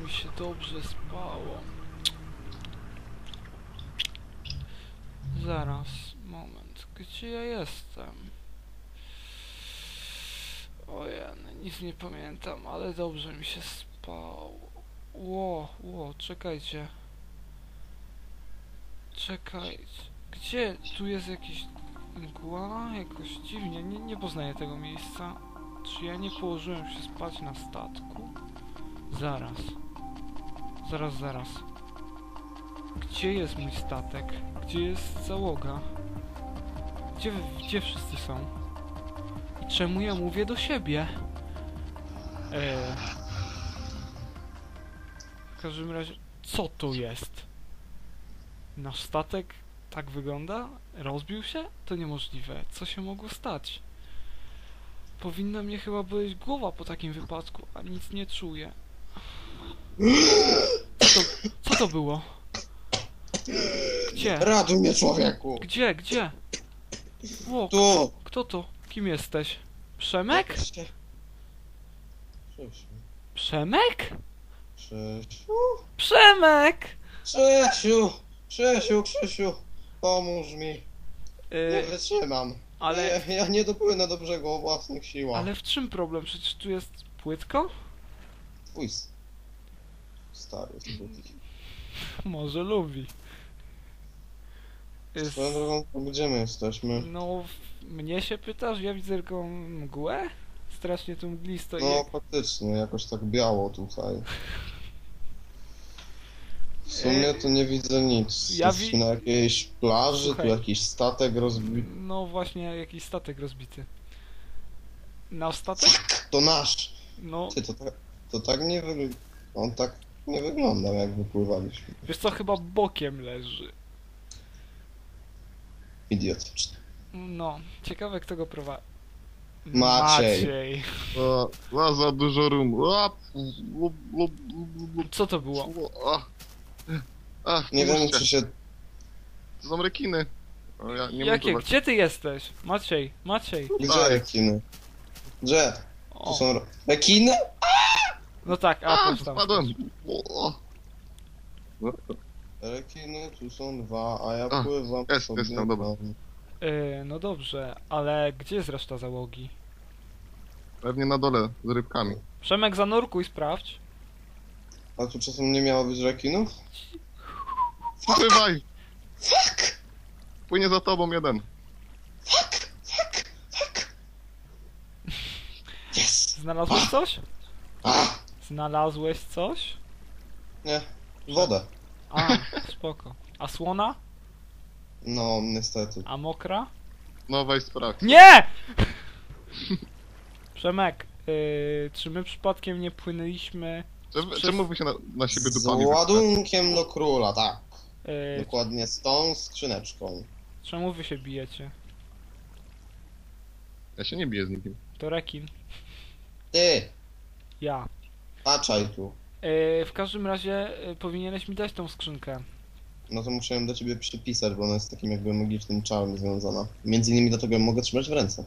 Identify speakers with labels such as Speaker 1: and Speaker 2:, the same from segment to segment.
Speaker 1: mi się dobrze spało. Zaraz, moment, gdzie ja jestem? Ojej, nic nie pamiętam, ale dobrze mi się spało. Czekajcie. Czekajcie. Gdzie? Tu jest jakiś mgła? Jakoś dziwnie, nie poznaję tego miejsca. Czy ja nie położyłem się spać na statku? Zaraz. Zaraz. Gdzie jest mój statek? Gdzie jest załoga? Gdzie wszyscy są? I czemu ja mówię do siebie? W każdym razie, co to jest? Nasz statek tak wygląda? Rozbił się? To niemożliwe. Co się mogło stać? Powinna mnie chyba boleć głowa po takim wypadku, a nic nie czuję. Co to było? Gdzie?
Speaker 2: Ratuj mnie, człowieku!
Speaker 1: Gdzie? O,
Speaker 2: Tu!
Speaker 1: kto to? Kim jesteś? Przemek?
Speaker 2: Krzysiu.
Speaker 1: Przemek?
Speaker 2: Krzysiu.
Speaker 1: Przemek!
Speaker 2: Krzysiu. Pomóż mi. Nie wytrzymam.
Speaker 1: Ale...
Speaker 2: Ja nie dopłynę do brzegu o własnych siłach.
Speaker 1: Ale w czym problem? Przecież tu jest płytko?
Speaker 2: Twój stary spódnik.
Speaker 1: Może lubi.
Speaker 2: Swoją drogą, gdzie my jesteśmy?
Speaker 1: No, mnie się pytasz? Ja widzę tylko mgłę? Strasznie tu mglisto
Speaker 2: No faktycznie, jakoś tak biało tutaj. W sumie to nie widzę nic.
Speaker 1: Ja
Speaker 2: Jesteśmy na jakiejś plaży,
Speaker 1: Słuchaj.
Speaker 2: tu jakiś statek rozbity.
Speaker 1: No właśnie, jakiś statek rozbity. Nasz statek?
Speaker 2: To nasz!
Speaker 1: No,
Speaker 2: Ty, to tak nie wygląda. On tak nie wyglądał, jak wypływaliśmy.
Speaker 1: wiesz co, chyba bokiem leży.
Speaker 2: Idiotyczny.
Speaker 1: No, ciekawe kto go prowadzi.
Speaker 2: Maciej.
Speaker 3: Za dużo rum.
Speaker 1: Co to było?
Speaker 2: Nie wiem, czy się...
Speaker 3: To są rekiny. Ja nie
Speaker 1: Jakie?
Speaker 3: mogę.
Speaker 1: Gdzie ty jesteś? Maciej.
Speaker 2: Gdzie rekiny? Gdzie? Tu
Speaker 1: O,
Speaker 2: są rekiny?
Speaker 1: no tak, patrz tam.
Speaker 3: Spadłem.
Speaker 2: Rekiny, tu są dwa, a ja
Speaker 3: A,
Speaker 2: pływam
Speaker 3: jest,
Speaker 2: sobie
Speaker 3: tam, dobra.
Speaker 2: tam.
Speaker 1: No dobrze, ale gdzie jest reszta załogi?
Speaker 3: Pewnie na dole z rybkami.
Speaker 1: Przemek, zanurkuj, sprawdź.
Speaker 2: A tu czasem nie miało być rekinów?
Speaker 3: Pływaj!
Speaker 2: Fuck!
Speaker 3: Płynie za tobą jeden.
Speaker 2: Fuck! Yes!
Speaker 1: Znalazłeś coś?
Speaker 2: A!
Speaker 1: Znalazłeś coś?
Speaker 2: Nie, wodę.
Speaker 1: A, spoko. A słona?
Speaker 2: No, niestety.
Speaker 1: A mokra?
Speaker 3: No weź sprawdź.
Speaker 1: Nie! Przemek, czy my przypadkiem nie płynęliśmy...
Speaker 3: Czemu wy się na siebie
Speaker 2: Z
Speaker 3: dupami
Speaker 2: ładunkiem do króla, tak.
Speaker 1: Yy,
Speaker 2: Dokładnie z tą skrzyneczką.
Speaker 1: czemu wy się bijecie?
Speaker 3: Ja się nie biję z nikim.
Speaker 1: To rekin.
Speaker 2: Ty!
Speaker 1: Ja.
Speaker 2: Patrzaj tu.
Speaker 1: W każdym razie powinieneś mi dać tą skrzynkę.
Speaker 2: No to musiałem do ciebie przypisać, bo ona jest takim jakby magicznym czarem związana. Między innymi dlatego ją mogę trzymać w ręce.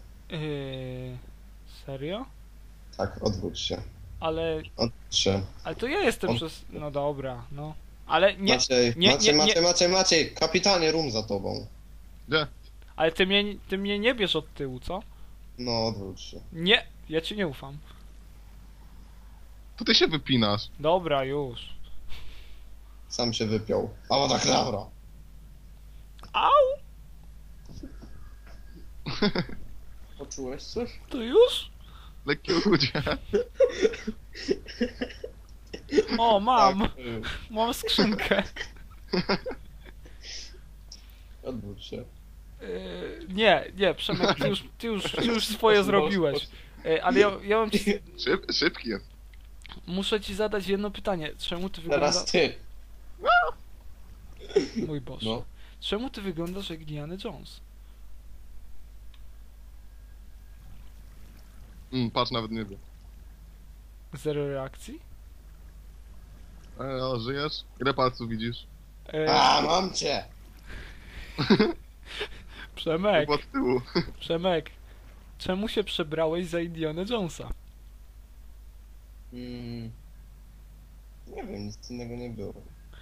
Speaker 1: Serio?
Speaker 2: Tak, odwróć się.
Speaker 1: Ale
Speaker 2: Odwróć się.
Speaker 1: to ja jestem przez... No dobra, no. Ale nie...
Speaker 2: Maciej, Maciej, kapitanie, rum za tobą.
Speaker 3: Gdzie?
Speaker 1: Ale ty mnie nie bierz od tyłu, co?
Speaker 2: No, odwróć się.
Speaker 1: Nie! Ja ci nie ufam.
Speaker 3: To ty się wypinasz.
Speaker 1: Dobra, już.
Speaker 2: Sam się wypiął. Awadakradabra.
Speaker 1: Au!
Speaker 2: Poczułeś coś?
Speaker 1: To już?
Speaker 3: Lekkie uchudzie.
Speaker 1: O, mam!
Speaker 2: Tak,
Speaker 1: Mam skrzynkę.
Speaker 2: odwróć się.
Speaker 1: Nie, Przemek, ty już swoje zrobiłeś. Ale ja mam ci...
Speaker 3: Szybki jest.
Speaker 1: Muszę ci zadać jedno pytanie. Czemu ty
Speaker 2: Teraz
Speaker 1: wyglądasz...
Speaker 2: ty.
Speaker 1: Mój Boże.
Speaker 2: No.
Speaker 1: Czemu ty wyglądasz jak Indiana Jones?
Speaker 3: Patrz, nawet nie wie.
Speaker 1: Zero reakcji?
Speaker 3: O, żyjesz? Ile palców widzisz?
Speaker 2: A, mam cię!
Speaker 1: Przemek,
Speaker 3: Chyba od tyłu.
Speaker 1: Przemek. Czemu się przebrałeś za Indiana Jonesa?
Speaker 2: Nie wiem, nic innego nie było.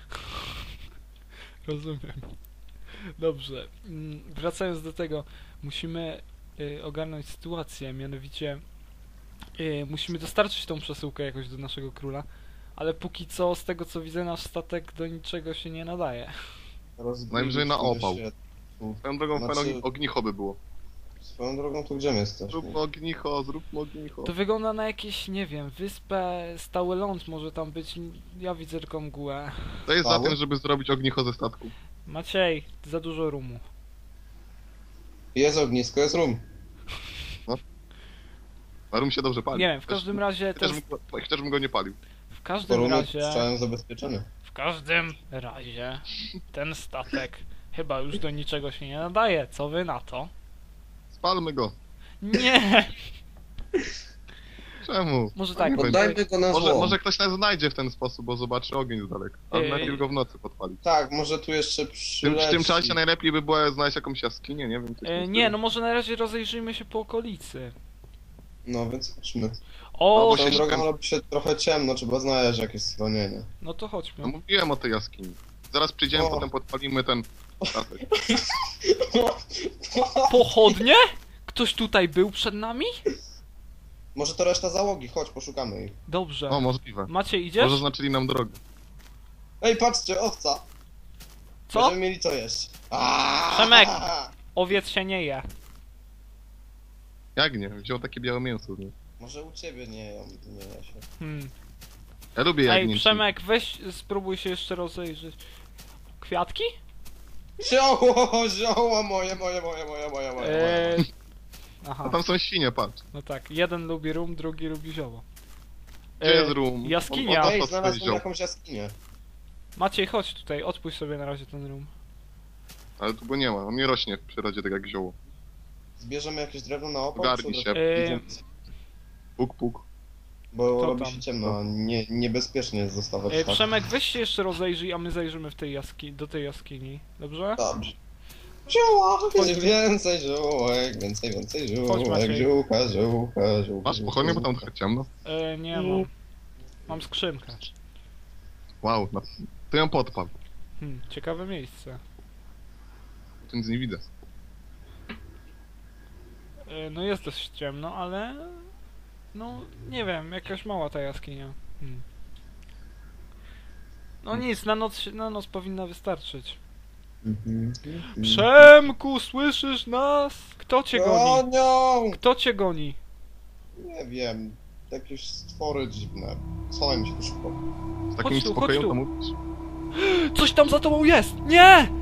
Speaker 1: Rozumiem. Dobrze. Wracając do tego, musimy ogarnąć sytuację, mianowicie musimy dostarczyć tą przesyłkę jakoś do naszego króla, ale póki co, z tego co widzę, nasz statek do niczego się nie nadaje.
Speaker 3: Najwyżej na opał.
Speaker 2: Się-
Speaker 3: Swoją drogą
Speaker 2: Znaczy-
Speaker 3: fajne ognicho by było.
Speaker 2: Swoją drogą, to gdzie my jesteśmy?
Speaker 3: Zróbmy ognicho, zróbmy ognicho.
Speaker 1: To wygląda na jakieś, nie wiem, wyspę, stały ląd może tam być, ja widzę tylko mgłę.
Speaker 3: To jest za
Speaker 2: Mało?
Speaker 3: tym, żeby zrobić ognicho ze statku.
Speaker 1: Maciej, za dużo rumu.
Speaker 2: Jest ognisko, jest rum.
Speaker 3: A rum się dobrze pali.
Speaker 1: Nie wiem, w każdym razie to jest,
Speaker 3: Chociaż bym go nie palił.
Speaker 1: w
Speaker 2: To
Speaker 1: każdym
Speaker 2: rum
Speaker 1: razie,
Speaker 2: jest całym zabezpieczony.
Speaker 1: w każdym razie ten statek chyba już do niczego się nie nadaje, co wy na to?
Speaker 3: Spalmy go.
Speaker 1: Nie!
Speaker 3: Czemu?
Speaker 1: Może tak,
Speaker 3: Nie
Speaker 2: Poddajmy go na
Speaker 3: Może,
Speaker 2: złom.
Speaker 3: może ktoś nas znajdzie w ten sposób, bo zobaczy ogień z daleka. Ale najpierw go w nocy podpalić.
Speaker 2: Tak, może tu jeszcze
Speaker 3: W
Speaker 2: przyleci.
Speaker 3: tym czasie najlepiej by było znaleźć jakąś jaskinię, nie wiem. coś w tym
Speaker 1: Nie,
Speaker 3: stylu.
Speaker 1: no może na razie rozejrzyjmy się po okolicy.
Speaker 2: No więc chodźmy.
Speaker 1: O,
Speaker 3: Albo
Speaker 2: Swoją
Speaker 3: się
Speaker 2: drogą
Speaker 3: szukam.
Speaker 2: robi się trochę ciemno, trzeba znaleźć jakieś schronienie.
Speaker 1: no to
Speaker 3: No
Speaker 1: chodźmy.
Speaker 3: mówiłem o tej jaskini. Zaraz przyjdziemy,
Speaker 2: O.
Speaker 3: potem podpalimy ten statek.
Speaker 1: Pochodnie? Ktoś tutaj był przed nami?
Speaker 2: Może to reszta załogi, chodź, poszukamy ich.
Speaker 1: Dobrze.
Speaker 3: O, możliwe.
Speaker 1: Macie, idziesz?
Speaker 3: Może znaczyli nam drogę.
Speaker 2: Ej, patrzcie, owca!
Speaker 1: Co?
Speaker 2: Będziemy mieli co jeść. Aaaa!
Speaker 1: Przemek! Owiec się nie je.
Speaker 3: Jak nie? Wziął takie białe mięso. Nie?
Speaker 2: Może u ciebie nie je się.
Speaker 3: Ja lubię
Speaker 1: Ej,
Speaker 3: jagnięci.
Speaker 1: Przemek, weź, spróbuj się jeszcze rozejrzeć. Kwiatki?
Speaker 2: Zioło moje.
Speaker 1: Aha,
Speaker 3: A tam są świnie, patrz.
Speaker 1: no tak. Jeden lubi rum, drugi lubi zioło.
Speaker 3: Gdzie jest rum?
Speaker 1: jaskinia.
Speaker 3: On
Speaker 2: Ej,
Speaker 3: po
Speaker 2: znalazłem
Speaker 3: swoje
Speaker 2: jakąś jaskinię.
Speaker 1: Maciej, chodź tutaj, odpuść sobie na razie ten rum.
Speaker 3: Ale tu go nie ma, on nie rośnie w przyrodzie tak jak zioło.
Speaker 2: Zbierzemy jakieś drewno na opał?
Speaker 3: Ogarnij
Speaker 2: czy
Speaker 3: się.
Speaker 2: od razu
Speaker 1: Ej.
Speaker 2: idziemy?
Speaker 3: Puk, puk.
Speaker 2: Bo
Speaker 1: Kto
Speaker 2: robi
Speaker 1: tam?
Speaker 2: się ciemno, a niebezpiecznie jest zostawać tak.
Speaker 1: Przemek, weź się jeszcze rozejrzyj, a my zajrzymy w tej do tej jaskini. Dobrze?
Speaker 2: Dobrze. Zioła! Więcej ziółek, więcej
Speaker 1: Chodź,
Speaker 2: ziółek,
Speaker 1: Maciej.
Speaker 2: ziółka.
Speaker 3: Masz pochodnie, bo tam trochę ciemno.
Speaker 1: Nie mam. Mam skrzynkę.
Speaker 3: Wow, no. To ją podpal.
Speaker 1: Ciekawe miejsce.
Speaker 3: Tu nic nie widzę.
Speaker 1: No jest dość ciemno, ale... No, nie wiem, jakaś mała ta jaskinia. No nic, na noc powinna wystarczyć. Przemku, słyszysz nas? Kto cię goni?
Speaker 2: Gonią!
Speaker 1: Kto cię goni?
Speaker 2: Nie wiem, jakieś stwory dziwne. Schowajmy się tu szybko.
Speaker 3: Z takim
Speaker 1: Chodź tu,
Speaker 3: spokojem
Speaker 1: chodź tu.
Speaker 3: to mówisz?
Speaker 1: Coś tam za tobą jest! Nie!